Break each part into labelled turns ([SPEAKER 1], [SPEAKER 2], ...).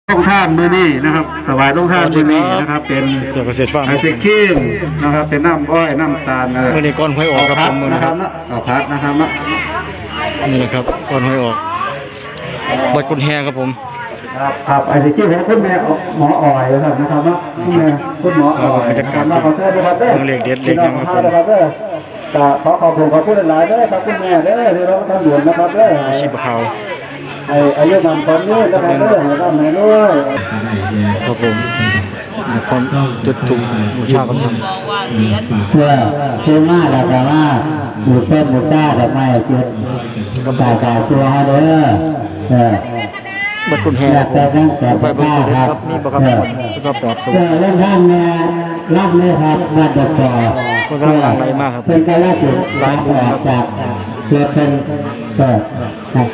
[SPEAKER 1] ต้องท่านมือนี่นะครับถวายต้องท่านมือนี่นะครับเป็น
[SPEAKER 2] เกษตรฟาร์ม
[SPEAKER 1] ไอศครีมนะครับเป็นน้ำอ้อยน้ำตาล
[SPEAKER 2] มือนี้ก้อนหอยออกครับผมมือ
[SPEAKER 1] นะครับพัดนะครับ
[SPEAKER 2] นี่นะครับก้อนหอยออกบัดกุญแฮครับผม
[SPEAKER 1] ครับไอศครีมของคุณแม่หมออ้อยนะครับคุณหมออ้อย
[SPEAKER 2] บรรยากาศเล็กเด็ดเล็กยังครับผม
[SPEAKER 1] ขอขอบคุณขอบคุณหลายๆด้วยครับคุณแม่เด้อที่เราทำหลวงนะครับเด้อ
[SPEAKER 2] ชีพเขา
[SPEAKER 1] อายุมันตอนนี้นะครับเด้อให้ไหนด้วย
[SPEAKER 2] ครับผมคนจุดถูกบูชากัน
[SPEAKER 1] เพื่อมาแล้วก็ว่าบูชาบูชาแต่ไม่จุดก็ตายตัวเด้อ
[SPEAKER 2] บัดกุญแฮไปบนครับนี่บอกครับก็ปลอดสูง
[SPEAKER 1] เล่นท่านเนี่ยรับเลยครับมาจากต่อ
[SPEAKER 2] คนกำลังหลั่งไหลมากครับ
[SPEAKER 1] เป็นการแลกเปลี่ยนสายต่อจากเพื่อเป็นครับ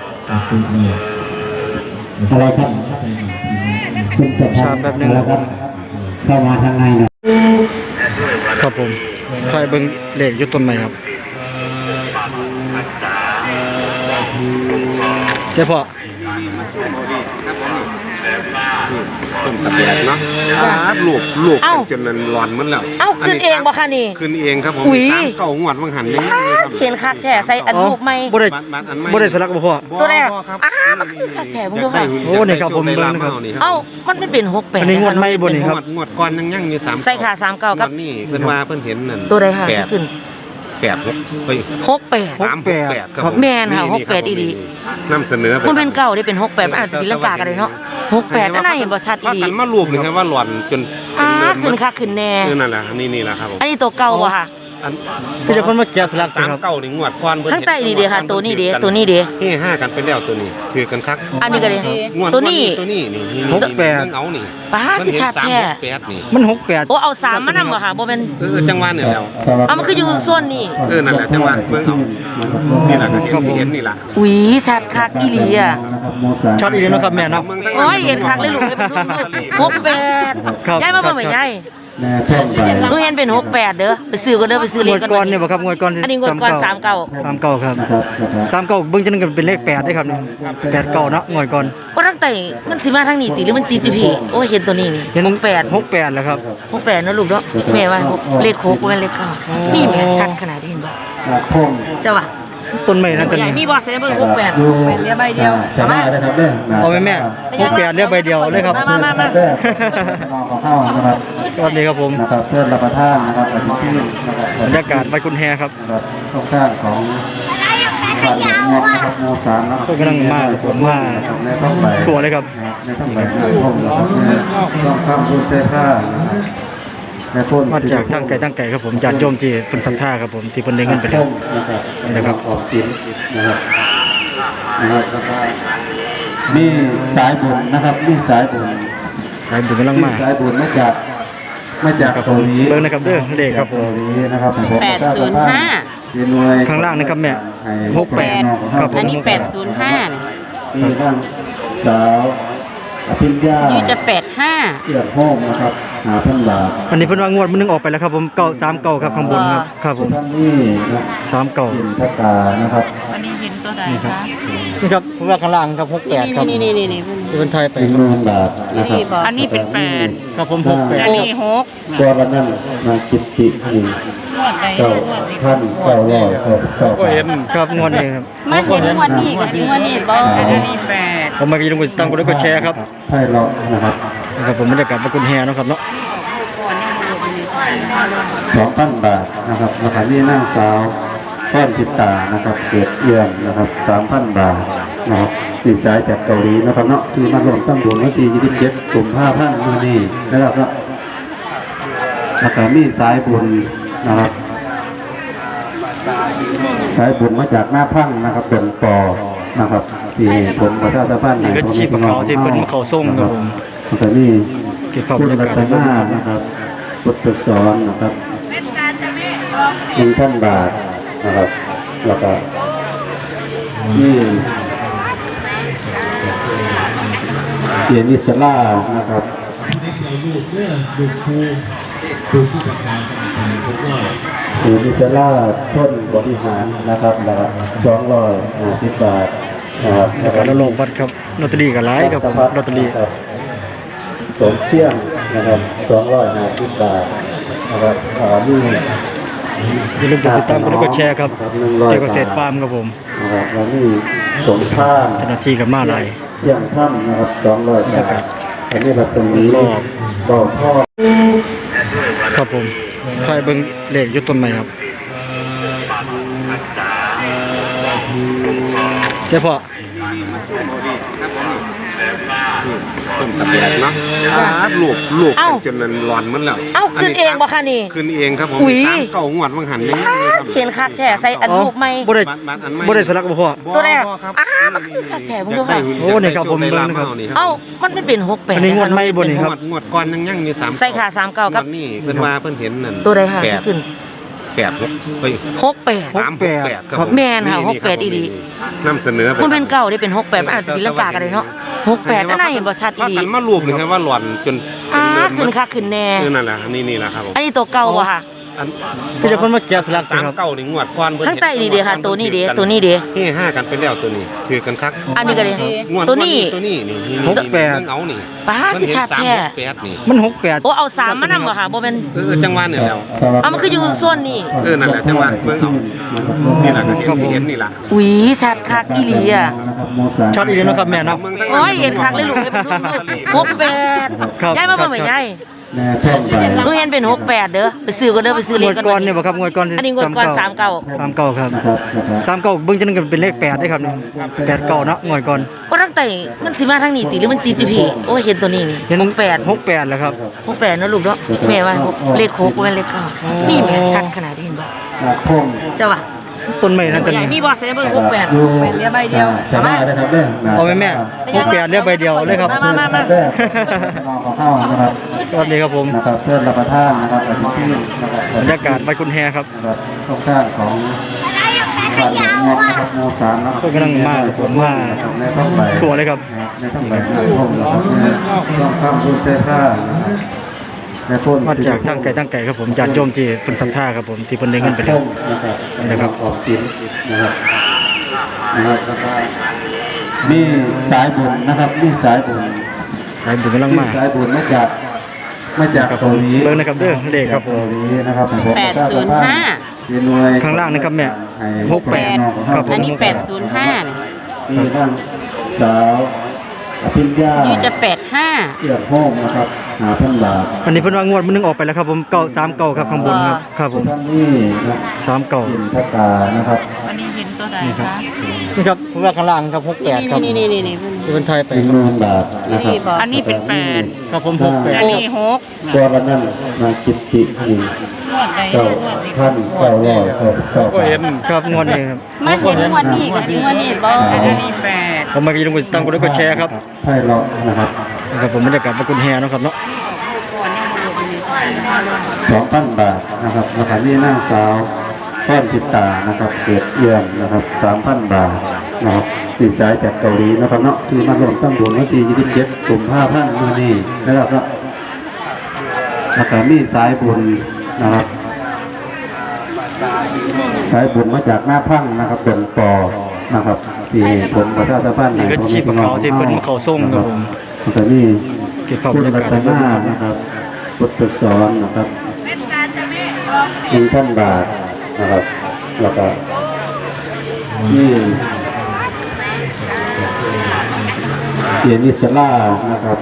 [SPEAKER 1] อะไรครับคุณจะ
[SPEAKER 2] ชาแบบนึง
[SPEAKER 1] แล้วครับเข้ามาทางใน
[SPEAKER 2] ครับผมใครเบิ้งเหล็กยุดต้นไหมครับเจ้าพ่อ
[SPEAKER 3] ต้นตะแบกเนาะลูกจนนั้นร้อนมันแล้ว
[SPEAKER 4] ขึ้นเองบ่คะนี่
[SPEAKER 3] ขึ้นเองครับผม3 เก่างวดวังหันนี่
[SPEAKER 4] เขียนคักแท้ใส่อันรูปใหม่
[SPEAKER 2] บ่ได้สลักบ่พ่อ
[SPEAKER 4] ตัวแรกมันคือคักแท้มึงดูค่ะ
[SPEAKER 2] โอ้นี่ครับผมเบิ่งนะครับ
[SPEAKER 4] มันไม่เป็น68
[SPEAKER 2] อันนี้งวดใหม่บ่นี่ครับ
[SPEAKER 3] งวดก่อนยังอยู่3
[SPEAKER 4] ใส่ขา39กับ
[SPEAKER 3] นี่เพิ่นว่าเพิ่นเห็นนั่น
[SPEAKER 4] ตัวใดค่ะขึ้น
[SPEAKER 3] 68เฮ้ย
[SPEAKER 4] 68ครับแม่นค่ะ68อีหลี
[SPEAKER 3] นำเสนอ
[SPEAKER 4] มันเป็นเก่าได้เป็น68มันอาจจะตีลังกากันได้เนาะ68น่าเห็นบ่ชัดอีหลี
[SPEAKER 3] กันมารวมนี่ครับว่าหล่อนจน
[SPEAKER 4] ขึ้นคักขึ้นแน่
[SPEAKER 3] นั่นแหละนี่แหละครับผม
[SPEAKER 4] อันนี้ตัวเก่าบ่ค่ะ
[SPEAKER 2] ก็จะคนมาแกะสลัก
[SPEAKER 3] ครับ3 เก่านี่งวดก่อน
[SPEAKER 4] ทั้งใต้นี่เด้ค่ะตัวนี้เด้
[SPEAKER 3] เฮ้5กันไปแล้วตัวนี้คือกันคัก
[SPEAKER 4] อันนี้ก็เด้ตัวนี้
[SPEAKER 3] นี่68เอานี่
[SPEAKER 4] ป้าคือชัดแท้
[SPEAKER 2] มัน68
[SPEAKER 4] โอ้เอา3มานำบ่ค่ะบ่เป็น
[SPEAKER 3] จังหวะนี่แล้ว
[SPEAKER 4] มันคืออยู่ส่วนนี้
[SPEAKER 3] นั่นแหละจังหวะเบิ่งเอานี่ล่ะก็เห็นนี่ล่ะ
[SPEAKER 4] อุ้ยชัดคักอีหลีอ่ะ
[SPEAKER 2] ชัดอีหลีเนาะครับแม่เนาะ
[SPEAKER 4] โอ้ยเห็นคักเลยลูกเป็นลูก68ย้ายมาเบิ่งแม่ย้ายหนูเห็นเป็น68เด้อไปซื้อก็เด้อไปซื้อเลข
[SPEAKER 2] ก่อนเนี่ยบ่ครับงวดก่อน
[SPEAKER 4] อันนี้งวดก่อน39
[SPEAKER 2] ครับ39เบิ่งจังเป็นเลข8ได้ครับนี่8 9เนาะงวดก่อน
[SPEAKER 4] บ่ตั้งแต่มันสิมาทางนี้ติหรือมันติที่พี่โอ้ยเห็นตัวนี้นี่
[SPEAKER 2] 68แล้วครับ
[SPEAKER 4] 68เนาะลูกเนาะแม่ว่าเลข6บ่แม่นเลข9นี่แม่ชัดขนาดนี้เห็นบ่เจ้าว่า
[SPEAKER 2] ต้นไม้นั่นต้นนี้
[SPEAKER 4] มีบ่ใส่เบิ่ง68เป็นเรียใบเดียว
[SPEAKER 1] เอามา
[SPEAKER 2] เอาแม่68เรียใบเดียวเลยครับ
[SPEAKER 4] มา
[SPEAKER 1] เข้านะครับ
[SPEAKER 2] ตอนนี้ครับผม
[SPEAKER 1] นะครับเพื่อรับประทานนะครับ
[SPEAKER 2] บรรยากาศวัดกุญแฮครับ
[SPEAKER 1] ตรงข้างของบ้านหลวงนะครับหมู่3นะครับ
[SPEAKER 2] ก็กำลังมาถั่วเลยครับ
[SPEAKER 1] ในต้องไปห้องนะครับต้องข้ามบุญใจผ้า
[SPEAKER 2] มาจากตั้งไก่ครับผมญาติโยมที่เป็นศรัทธาครับผมที่เพิ่นได้เงินไปแล้วนี่นะครับ
[SPEAKER 1] ออกสินนะครับนี่สายบุญนะครับนี่สายบุญ
[SPEAKER 2] กำลังมา
[SPEAKER 1] สายบุญมาจากตรงนี้
[SPEAKER 2] เบิ่งนะครับเด้อเลขครับผม
[SPEAKER 1] นี้นะครับ
[SPEAKER 4] 805
[SPEAKER 2] ข้างล่างนะครับแม่68ครับผม
[SPEAKER 4] อันนี้805
[SPEAKER 1] นี่ข้างสาวอภิญญา
[SPEAKER 4] นี่จะ85
[SPEAKER 1] เกี่ยวห้องนะครับ5,000 บาท
[SPEAKER 2] อันนี้เพิ่นว่างวดมันนึงออกไปแล้วครับผม939ครับข้างบนครับผม
[SPEAKER 1] นี่นะ
[SPEAKER 2] 39
[SPEAKER 1] พัตตานะครับ
[SPEAKER 4] อันนี้เห็นตัวใดคะ
[SPEAKER 2] นี่ครับผมว่าข้างล่างครับ68ครับ
[SPEAKER 4] นี่
[SPEAKER 2] เพิ่นไทยไป
[SPEAKER 1] 1,000 บาทนะครับ
[SPEAKER 4] อันนี้เป็น8
[SPEAKER 2] ครับผม68
[SPEAKER 4] อันนี้6
[SPEAKER 1] ตัวละนั้นมากิตตินี่9,900
[SPEAKER 2] ก็เห็นครับงวดนี้ครับ
[SPEAKER 4] มาเห็นงวดนี้ก็สิงวดนี้บ่อันนี้8
[SPEAKER 2] ผมมากินลงไปตั้งกดแล้วก็แชร์ครับ
[SPEAKER 1] ให้เรานะครับ
[SPEAKER 2] ผมบรรยากาศวัดกุญแฮนะครับเนาะ
[SPEAKER 1] 2,000 บาทนะครับราคานี้นางสาวก้อนพิตานะครับเกิดเอี่ยมนะครับ 3,000 บาทนะครับที่สายจากเกาหลีนะครับเนาะที่มาร่วมตั้งบุญวันที่27 กุมภาพันธ์นี้นะครับราคานี้สายบุญนะครับสายบุญมาจากหน้าพังนะครับเป็นปอนะครับที่ผมประชาสัมพันธ์ใน
[SPEAKER 2] ก็ชีพเขาที่เป็นเขาส่งครับผม
[SPEAKER 1] แต่นี่คุณรัตนานะครับพุทธสอนนะครับ1,000 บาทนะครับแล้วก็นี่เกียรติสลานะครับเกียรติสลาต้นบริหารนะครับแล้วก็250 บาทนะครับ
[SPEAKER 2] แล้วก็ระลอกวัดครับลอตเตอรี่ก็หลายครับผมลอตเตอรี่
[SPEAKER 1] สมเที่ยงนะครับ250 บาทนะครับนี่
[SPEAKER 2] อย่าลืมกดติดตามกดไลค์กดแชร์ครับเกี่ยวกับเกษตรฟาร์มครับผม
[SPEAKER 1] นะครับแล้วนี่สมท่าน
[SPEAKER 2] เจ้าหน้าที่กับมาลาย
[SPEAKER 1] เที่ยงท่านนะครับ200 บาทอันนี้แบบตรงนี้บ่อพ่อ
[SPEAKER 2] ครับผมใครเบิ่งเลขอยู่ต้นไม้ครับเจ้าพ่อ
[SPEAKER 3] ต้นตะแบกเนาะลูกจนนั้นร้อนมันแล้ว
[SPEAKER 4] เอ้าขึ้นเองบ่คะนี่
[SPEAKER 3] ขึ้นเองครับผม
[SPEAKER 4] อุ๊ย
[SPEAKER 3] 3 เก้างวดบางหันนี่ครับ
[SPEAKER 4] เห็นคักแท้ใส่อันรูปใหม่
[SPEAKER 2] บ่ได้
[SPEAKER 3] บ้านอันใหม่
[SPEAKER 2] บ่ได้สลักบ่พ่อ
[SPEAKER 4] ตัวแรก
[SPEAKER 3] ครับ
[SPEAKER 4] มันคือคักแท้ผมดูค่ะ
[SPEAKER 2] โอ้นี่ครับผมเบิ่งนะครับ
[SPEAKER 4] เอ้ามันไม่เป็น68
[SPEAKER 2] อันนี้งวดใหม่บ่นี่ครับ
[SPEAKER 3] งวดก่อนยังมี3
[SPEAKER 4] ใส่ขา39ครับ
[SPEAKER 3] นี่เพิ่นว่าเพิ่นเห็นนั่น
[SPEAKER 4] ตัวใดค่ะ
[SPEAKER 3] แปด
[SPEAKER 4] ขึ้น
[SPEAKER 3] 8เฮ้ย
[SPEAKER 4] 68
[SPEAKER 3] 368ครับ
[SPEAKER 4] แม่นค่ะ68อีหลี
[SPEAKER 3] นำเสนอไป
[SPEAKER 4] มันเป็นเก่าได้เป็น68มันอาจจะตีลังกากันเลยเนาะ68นั่นน่ะเห็นบ่ชัดอี
[SPEAKER 3] ว่า
[SPEAKER 4] หลี
[SPEAKER 3] กันมารวมเลยครับว่าหล่อนจน
[SPEAKER 4] ขึ้นคักขึ้นแน่
[SPEAKER 3] คือนั่นแหละนี่แหละครับผม
[SPEAKER 4] อันนี้ตัวเก่าบ่ค่ะ
[SPEAKER 3] อัน
[SPEAKER 2] ก็จะคนมาแกะสลักสิ
[SPEAKER 3] สาม
[SPEAKER 2] ครับ
[SPEAKER 3] เก้านี่งวดก่อนเพิ่น
[SPEAKER 4] ข้างใต้นี่เด้ค่ะตัวนี้เด้ตัวนี้เด้
[SPEAKER 3] นี่5กันไปแล้วตัวนี้คือกันคัก
[SPEAKER 4] อันนี้ก็เด้
[SPEAKER 3] งวด
[SPEAKER 4] ตัวนี้
[SPEAKER 3] ตัวนี้นี่
[SPEAKER 2] 68
[SPEAKER 3] เอานี่
[SPEAKER 4] ป้าที่ชัดแท้
[SPEAKER 3] 8นี่
[SPEAKER 2] มัน68
[SPEAKER 4] โอ้เอา3มานำบ่ค่ะบ่แม่น
[SPEAKER 3] จังหวะเนี่ยแล้ว
[SPEAKER 4] เอามันคืออยู่ส่วนนี้
[SPEAKER 3] นั่นแหละจังหวะเบิ่งเอานี่แหละก็เห็นนี่ล่ะ
[SPEAKER 4] อุ้ยชัดคักอีหลีอ่ะ
[SPEAKER 2] ชัดอีกแล้วนะครับแม่เนาะ
[SPEAKER 3] เบิ่งทั้ง
[SPEAKER 4] โอ้ยเห็นคักเลยลูกเอ้ยเป็นลูก68ยายมาเบิ่งแม่ยาย
[SPEAKER 1] แม่ท่องไป
[SPEAKER 4] หนูเห็นเป็น68เด้อไปซื้อก็เด้อไปซื้อเล
[SPEAKER 2] ง
[SPEAKER 4] ข
[SPEAKER 2] วด
[SPEAKER 4] กัน
[SPEAKER 2] ก่อนเนี่ยบ่ครับงวดก่อน
[SPEAKER 4] อันนี้งวดก่อน
[SPEAKER 2] 39ครับ39เบิ่งจังนั้นก็เป็นเลข8ได้ครับ89เนาะงวดก่อน
[SPEAKER 4] ก็ตั้งแต่มันสิมาทางนี้ติหรือมันติดติพี่โอ้ยเห็นตัวนี้นี่
[SPEAKER 2] เห็น
[SPEAKER 4] 68
[SPEAKER 2] 68แล้วครับ
[SPEAKER 4] 68เนาะลูกเนาะแม่ว่าเลข6บ่แม่นเลข9นี่แม่ชัดขนาดนี้เห็นบ่
[SPEAKER 1] ท่อง
[SPEAKER 4] เจ้าว่า
[SPEAKER 2] ต้นไม้นั่นต้น
[SPEAKER 4] ใหญ่
[SPEAKER 2] นี้
[SPEAKER 4] มีบ่ใส่เบิ่ง68
[SPEAKER 1] เป็นเรียบใบเดียวใช่ไหมนะครับเด้อ
[SPEAKER 2] เอาแม่68เรียกใบเดียวเลยครับ
[SPEAKER 4] มา
[SPEAKER 1] ลองเข้านะครับ
[SPEAKER 2] ตอนนี้ครับผม
[SPEAKER 1] นะครับเพื่อนรับประทานนะครับที่นะครับ
[SPEAKER 2] บรรยากาศใบกุนแฮครับ
[SPEAKER 1] นะครับข้างข้างของบ้านหลวงงอกนะครับหมู่3นะครับ
[SPEAKER 2] ก็กำลังมาผมมา
[SPEAKER 1] ในต้องใบ
[SPEAKER 2] ตัวเลยครับ
[SPEAKER 1] ในต้องใบน้ำท่อมนะครับต้องข้ามรุ่นใช้ผ้าในพ่น
[SPEAKER 2] มาจากตั้งไก่ครับผมญาติโยมที่เพิ่นศรัทธาครับผมที่เพิ่นได้เงินไปแล้ว
[SPEAKER 1] นะครับ
[SPEAKER 2] นะครับ
[SPEAKER 1] ออกสินนะครับนะครับแล้วก็มีสายบุญนะครับมีสายบุญ
[SPEAKER 2] สายบุญกำลังมา
[SPEAKER 1] สายบุญมาจาก
[SPEAKER 2] ครับผ
[SPEAKER 1] เกาม หลี
[SPEAKER 2] เบิ่งนะครับเด้อเลขครับผม
[SPEAKER 1] เกาหลีนะครับผม
[SPEAKER 4] 805
[SPEAKER 1] มีหน่วย
[SPEAKER 2] ข้างล่างนะครับแม่68ครับผม
[SPEAKER 4] อันนี้805นี่
[SPEAKER 1] มีบ้างสาวอภิญญา
[SPEAKER 4] อยู่จะ85
[SPEAKER 1] เกี่ยวห้องนะครับ5,000 บาท
[SPEAKER 2] อันนี้เพิ่นว่างวดมันนึงออกไปแล้วครับผม939ครับข้างบนครับครับผม
[SPEAKER 1] ท่านนี่นะ
[SPEAKER 2] 39
[SPEAKER 1] กินพระกานะครับ
[SPEAKER 4] อันนี้เห็นตัวใด
[SPEAKER 2] นี่ครับ
[SPEAKER 4] คะ
[SPEAKER 2] นี่ครับเพราะว่าข้างล่างครับ68ครับ
[SPEAKER 4] นี่
[SPEAKER 2] ที่เพิ่นไทยไป
[SPEAKER 1] เป็น
[SPEAKER 2] ครับ
[SPEAKER 1] 10,000 บาทนะครับ
[SPEAKER 4] อันนี้เป็น
[SPEAKER 2] ครับผม
[SPEAKER 4] อัน
[SPEAKER 2] 68
[SPEAKER 4] นี้6
[SPEAKER 1] ตัวละนั้นมาคิดที่นี่9,900
[SPEAKER 2] ก็เห็นครับงวดนี้ครับ
[SPEAKER 4] มันเห็นงวดนี้ก็สิงวดนี้บ่อันนี้8
[SPEAKER 2] ผมมากินลงไปตั้งกดไลค์กดแชร์ครับ
[SPEAKER 1] ให้เรานะครับ
[SPEAKER 2] นะครับผมบรรยากาศใบกุนแฮเนาะครับเนาะ
[SPEAKER 1] 2,000 บาทนะครับราคานี้นางสาวต้นติตานะครับเกิดเอี่ยมนะครับ 3,000 บาทนะครับที่สายจากเกาหลีนะครับเนาะที่มาร่วมตั้งบุญวันที่27กุมภาพันธ์มื้อนี้นะครับก็ราคานี้สายบุญนะครับสายบุญมาจากหน้าพังนะครับเป็นปอนะครับที่ผมประชาสัมพันธ์
[SPEAKER 2] นี่ก็ชีพเขาที่เพิ่นมาเข้าส่งครับผม
[SPEAKER 1] แล้วก็นี่
[SPEAKER 2] เก็บภาพบ
[SPEAKER 1] คุ
[SPEAKER 2] ร
[SPEAKER 1] ณ
[SPEAKER 2] รยา
[SPEAKER 1] รั
[SPEAKER 2] กาศ
[SPEAKER 1] ตนานะครับพุทธสอนนะครับ1,000 บาทนะครับแล้วก็ที่เกียรติสลานะครับ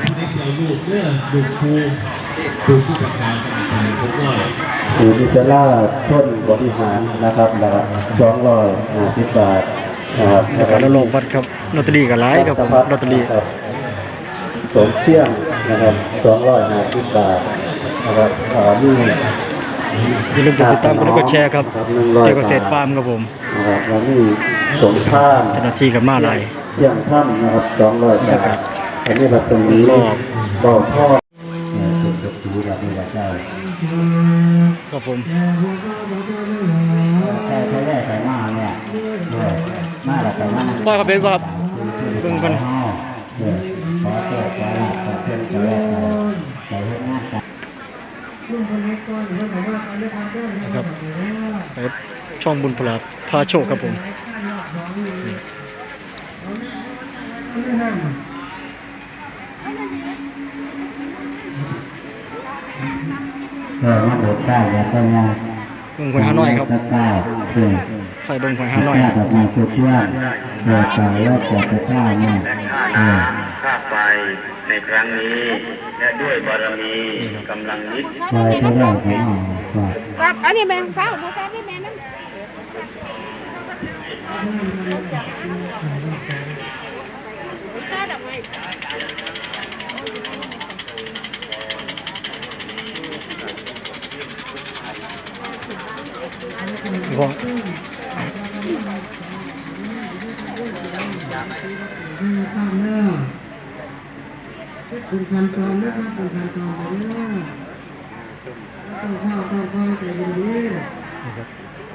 [SPEAKER 1] คือนิจลาต้นบริหารนะครับแล้วก็250 บาทนะครับ
[SPEAKER 2] แล้วก็ระลอกวัดครับลอตเตอรี่ก็หลายครับผมลอตเตอรี่
[SPEAKER 1] ครับสมเที่ยงนะครับ250 บาทนะครับนี่
[SPEAKER 2] อย่าลืมกดติดตามกดไลค์กดแชร์ครับเกี่ยวกับเกษตรฟาร์มครับผม
[SPEAKER 1] นะครับแล้วนี่สมท่าน
[SPEAKER 2] เจ้าหน้าที่กับมาลาย
[SPEAKER 1] เที่ยงท่านนะครับ200 บาทอันนี้แบบตรงนี้บ่อพ่อสุดๆแบบนี้แหละใช่
[SPEAKER 2] ครับผม
[SPEAKER 1] ใช้ได้ใช้มาเนี่ยมาแล้วใช้มา
[SPEAKER 2] ว่าครับเป็นว่าครับเบิ่งกัน
[SPEAKER 1] ขอเจ้าขอลาขอเพื่อนขอแรกใส่ให้หน้าตา
[SPEAKER 2] นะครับไปช่องบุญพลาพาโชคครับผม
[SPEAKER 1] มาโดดได้แล้วก็มา
[SPEAKER 2] เบิ่งหวยฮานอยครับ
[SPEAKER 1] ได้เออ
[SPEAKER 2] ไปเบิ่งหวยฮานอย
[SPEAKER 1] แบบมาเพื่อนโดดสายแล้วแต่จะฆ่าเนี่ย
[SPEAKER 5] ข้าไปในครั้งนี้และด้วยบารมีกำลังนิด
[SPEAKER 1] ไปก็ได้ของหอ
[SPEAKER 6] ครับอันนี้แมงเศร้าพอแซ่บได้แม่นั่นใช่ดอกไม้
[SPEAKER 2] พวก
[SPEAKER 7] คุณพันตอนนะครับคุณพันตอนไปเรื่อยต้องเข้าต้องเข้าใจเย็น
[SPEAKER 2] นี่ครับ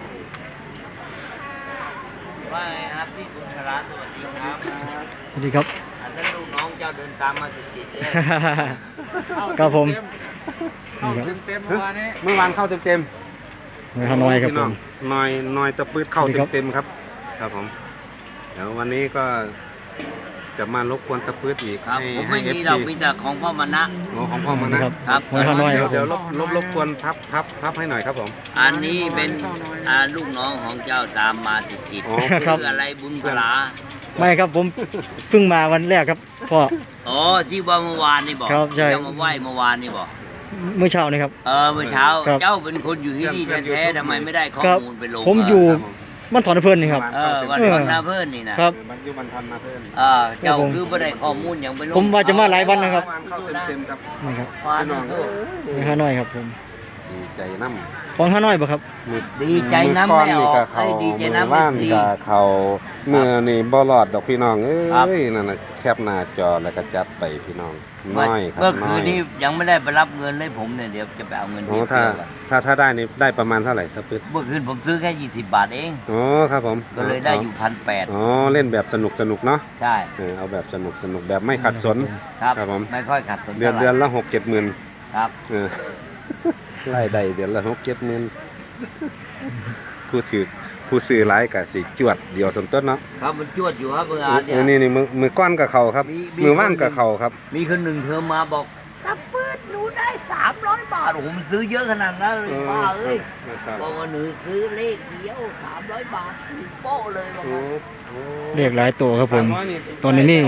[SPEAKER 8] ว่าไงครับพี่บุญคราสวัสดีครับ
[SPEAKER 2] สวัสดีครับ
[SPEAKER 8] อันนั้นลูกน้องเจ้าเดินตามมาติดๆเลย
[SPEAKER 2] ครับผม
[SPEAKER 3] เข้า
[SPEAKER 2] นี่ครับ
[SPEAKER 3] เต็มเมื่อวานเข้าเต็ม
[SPEAKER 2] หวยฮานอยครับผม
[SPEAKER 3] น้อยตะปืดเข้า
[SPEAKER 2] สวัสดีครับ
[SPEAKER 3] เต็มครับ ครับผมเดี๋ยววันนี้ก็จะมารบกวนตะปืดอีก
[SPEAKER 8] ครับ
[SPEAKER 3] ให้
[SPEAKER 8] ผม
[SPEAKER 3] ให้
[SPEAKER 8] ไม่
[SPEAKER 3] เอฟ
[SPEAKER 8] มี
[SPEAKER 3] ซี
[SPEAKER 8] ดอกมีแต่ของพ่อมานะ
[SPEAKER 3] ของพ่อมานะ
[SPEAKER 2] ครับ หวยฮานอยครับผ
[SPEAKER 3] เดี๋ยว
[SPEAKER 2] ม
[SPEAKER 3] รบกวนพับให้หน่อยครับผม
[SPEAKER 8] อันนี้เป็นลูกน้องของเจ้าตามมาติด
[SPEAKER 3] อ๋อ
[SPEAKER 8] ๆ
[SPEAKER 2] ครับ
[SPEAKER 8] ชื่ออะไรบุญครา
[SPEAKER 2] ไม่ครับผมเพิ่งมาวันแรกครับพ่อ
[SPEAKER 8] อ๋อที่ว่าเมื่อวานนี่บอก
[SPEAKER 2] ครับใช่
[SPEAKER 8] เจ้ามาไหว้เมื่อวานนี่บอก
[SPEAKER 2] เมื่อเช้านี่ครับ
[SPEAKER 8] เมื่อเช้า
[SPEAKER 2] ครับ
[SPEAKER 8] เจ้าเป็นคนอยู่ที่นี่แท้ๆทำไมไม่ได้ข้อ
[SPEAKER 2] ครับ
[SPEAKER 8] มูลไปลง
[SPEAKER 2] ผมอยู่บ้านถอนอำเพิ่นนี่ครับ
[SPEAKER 8] วันวันนาเพิ่นนี่นะครับ
[SPEAKER 3] มันอยู่บรรทันมาเพิ่ม
[SPEAKER 8] เจ้าคือไม่ได้ข้อมูลอย่างไปลง
[SPEAKER 2] ผมว่าจะมาหลายวันนะครับ
[SPEAKER 3] เมื่อวานเข้าเต็มครับ
[SPEAKER 2] นี่ครับ
[SPEAKER 8] วานนะคือ
[SPEAKER 2] หวยฮานอยครับผม
[SPEAKER 3] ดีใจน้ำ
[SPEAKER 2] ของฮานอยบ่ครับ
[SPEAKER 8] ดีใจน้ำไม่ออกไอ้ยดีใจน้ำ
[SPEAKER 3] บ้า
[SPEAKER 8] ไม่
[SPEAKER 3] น
[SPEAKER 8] ดี
[SPEAKER 3] กับเขาเมื่อนี่บ่รอดดอกพี่น้องเอ้
[SPEAKER 8] ครับ
[SPEAKER 3] ยนั่นน่ะแคปหน้าจอแล้วก็จัดไปพี่น้องน้อยครับ
[SPEAKER 8] เมื่อ
[SPEAKER 3] น้
[SPEAKER 8] คื
[SPEAKER 3] อน ย
[SPEAKER 8] นี้ยังไม่ได้ไปรับเงินเลยผมเนี่ยเดี๋ยวจะไปเอาเงิน
[SPEAKER 3] โอ้
[SPEAKER 8] ที่
[SPEAKER 3] ถ้า
[SPEAKER 8] เที่ยวก่อน
[SPEAKER 3] ถ้าได้นี่ได้ประมาณเท่าไหร่ครับปึ๊ด
[SPEAKER 8] เมื่อคืนผมซื้อแค่20 บาทเอง
[SPEAKER 3] อ๋อครับผม
[SPEAKER 8] ก็เลยได้อยู่1,800
[SPEAKER 3] อ๋อเล่นแบบสนุกเนาะ
[SPEAKER 8] ใช่
[SPEAKER 3] เอาแบบสนุกแบบไม่ขัดสน
[SPEAKER 8] ครับ
[SPEAKER 3] ครับผม
[SPEAKER 8] ไม่ค่อยขัดสน
[SPEAKER 3] เดือน
[SPEAKER 8] ท่าไหร่
[SPEAKER 3] ละ6-7 หมื่น
[SPEAKER 8] ครับ
[SPEAKER 3] เออ ไล่ได้เดือนละ6-7 หมื่นผู้ซื้อหลายก็สิจวดเดียวสมต้นเนาะ
[SPEAKER 8] ครับมันจวดอยู่ครับเมื่อวานเนี่ย
[SPEAKER 3] นี่มือก้อนกับเขาครับ มือว่างกับเขาครับ
[SPEAKER 8] มีคนหนึ่งเธอมาบอกตะปืดหนูได้300 บาทโอ้โหมันซื้อเยอะขนาดนั้นเลยป้าเอ้ย
[SPEAKER 3] ครับ
[SPEAKER 8] บอกว่าหนูซื้อเลขเดียว300 บาทโป๊ะเลยบอก
[SPEAKER 3] โอ้
[SPEAKER 8] ว่า
[SPEAKER 3] โห
[SPEAKER 2] เลขหลายตัวครับผม ตอนนี้นี่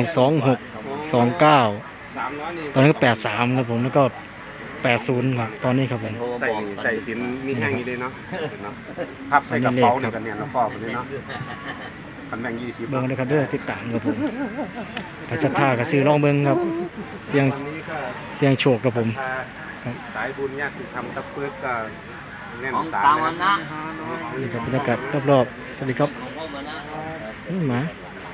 [SPEAKER 2] 26 29
[SPEAKER 3] 300นี่
[SPEAKER 2] ตอนนี้ก็83ครับผมแล้วก็80ครับตอนนี้ครับผม
[SPEAKER 8] โทร
[SPEAKER 3] ใส่
[SPEAKER 8] บอก
[SPEAKER 3] ใส่สินมีแห้งอยู่ด้วยเนาะเนาะพับใส่กระเป๋าเนี่ยกันเนี่ยแล้วฟอกกันเลยเนาะคันแบ่ง20
[SPEAKER 2] เบิ่งเลยครับเด้อติดตามครับผมถ้าศรัทธาก็ซื้อลองเบิ่งครับ เสียง
[SPEAKER 3] วันนี้ก็
[SPEAKER 2] เสียงโชคครับผม ครับ
[SPEAKER 3] สายบุญญาติธรรมตะเพิดก็แน่น
[SPEAKER 8] ของ
[SPEAKER 3] สา
[SPEAKER 8] ตาม วัน
[SPEAKER 3] เลยนะ
[SPEAKER 8] นะ
[SPEAKER 2] นี่ครับบรรยากาศรอบๆสวัสดีครับ
[SPEAKER 8] ของพ่อมานะ
[SPEAKER 2] หมา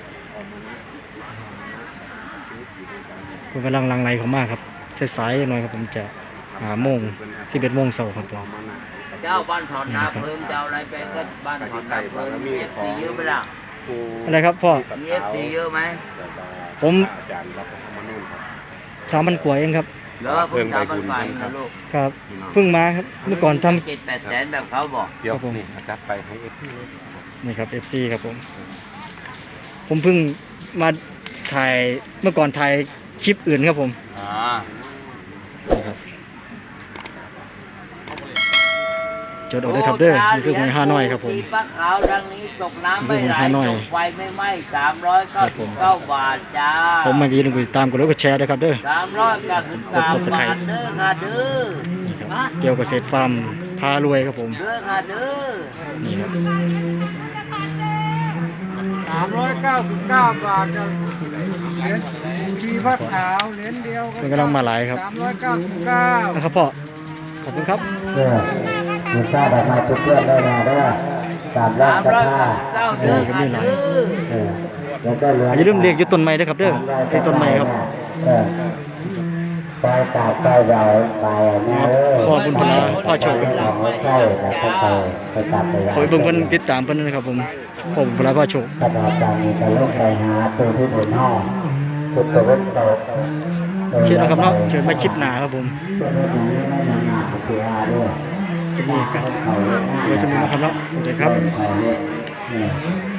[SPEAKER 2] คุณกำลังหลังไหลเขามากครับสายๆหน่อยครับผมจะโมง11 โมงเช้าครับผม
[SPEAKER 8] เจ้าบ้านถอนนาเพิ่มเจ้าอะไรไปก็บ้านถอนนาเพิ่มมีเอฟซีเยอะไหมล่ะ
[SPEAKER 2] อะไรครับพ่อ
[SPEAKER 8] มีเอฟซีเยอะไหม
[SPEAKER 2] ผม
[SPEAKER 3] อาจารย์รับมานู่นครับ
[SPEAKER 2] 3,000 กว่าเองครับ
[SPEAKER 8] แล้วเพิ่งทำบ้านใหม่นะลูก
[SPEAKER 2] ครับเพิ่งมาครับเมื่อก่อนทำ
[SPEAKER 8] 7-8 แสนแบบเขาบอก
[SPEAKER 3] เดี๋ยว
[SPEAKER 2] ครับผม
[SPEAKER 3] นี่จัดไปให้เอฟซีเลย
[SPEAKER 2] นี่ครับ FC ครับผม ผมเพิ่งมาถ่ายเมื่อก่อนถ่ายคลิปอื่นครับผม นี่ครับจดเอาได้ครับเด้อนี่คือหวยฮานอยครับผม
[SPEAKER 8] ตีปลาขาวดังนี้ตกน้ำไม่ไหล
[SPEAKER 2] นี่คือหวยฮานอย
[SPEAKER 8] ตกไฟไม่ไหม้
[SPEAKER 2] ครับผม
[SPEAKER 8] 399 บาทจ้า
[SPEAKER 2] ผมมาดีนึงไปตามกดไลค์กดแชร์ด้วยครับเด้อ
[SPEAKER 8] 393 บาทเด้อค่ะเด้อ
[SPEAKER 2] นี่ครับเกี่ยวกับเกษตรฟาร์มพารวยครับผม
[SPEAKER 8] เด้อค่ะเด้อ
[SPEAKER 2] นี่ครับ
[SPEAKER 6] 399 บาทจะเหรียญชีพขาวเหรียญเดียว
[SPEAKER 2] เป็นกำลังมาหลายครับ
[SPEAKER 6] 399
[SPEAKER 2] นะครับพ่อขอบคุณครับ
[SPEAKER 1] มีค่าดอกไม้ทุกเพื่อนได้มาด้วย3 ล้านกระท่า
[SPEAKER 8] 399เด้อค่ะเด้อ
[SPEAKER 1] แล้วก็เหลือ
[SPEAKER 2] อย่าลืมเรียกอยู่ต้นไม้ด้วยครับเด้อไอ้ต้นไม้ครับ
[SPEAKER 1] ไปกาบไปใหญ่ไปนะเออ
[SPEAKER 2] พ่อบุญพลาพ่อโชค
[SPEAKER 1] ใช่แล้วก็ไปกาบไปใหญ่
[SPEAKER 2] ขอให้เบิ่งเพิ่นติดตามเพิ่นนะครับผมพ่อบุญพลาพ่อโชค
[SPEAKER 1] ขณะการมีการลงไปหาตัวที่บนห้องตัวตัวเล็กโต
[SPEAKER 2] โอเคนะครับเนาะเชิญมาคลิปหน้าครับผม
[SPEAKER 1] ตัวนี้ไม่นานๆคืออาด้วย
[SPEAKER 2] จะมีกันไว้สมุนนะครับเนาะสวัสดีครับ
[SPEAKER 1] เขาเนี่ย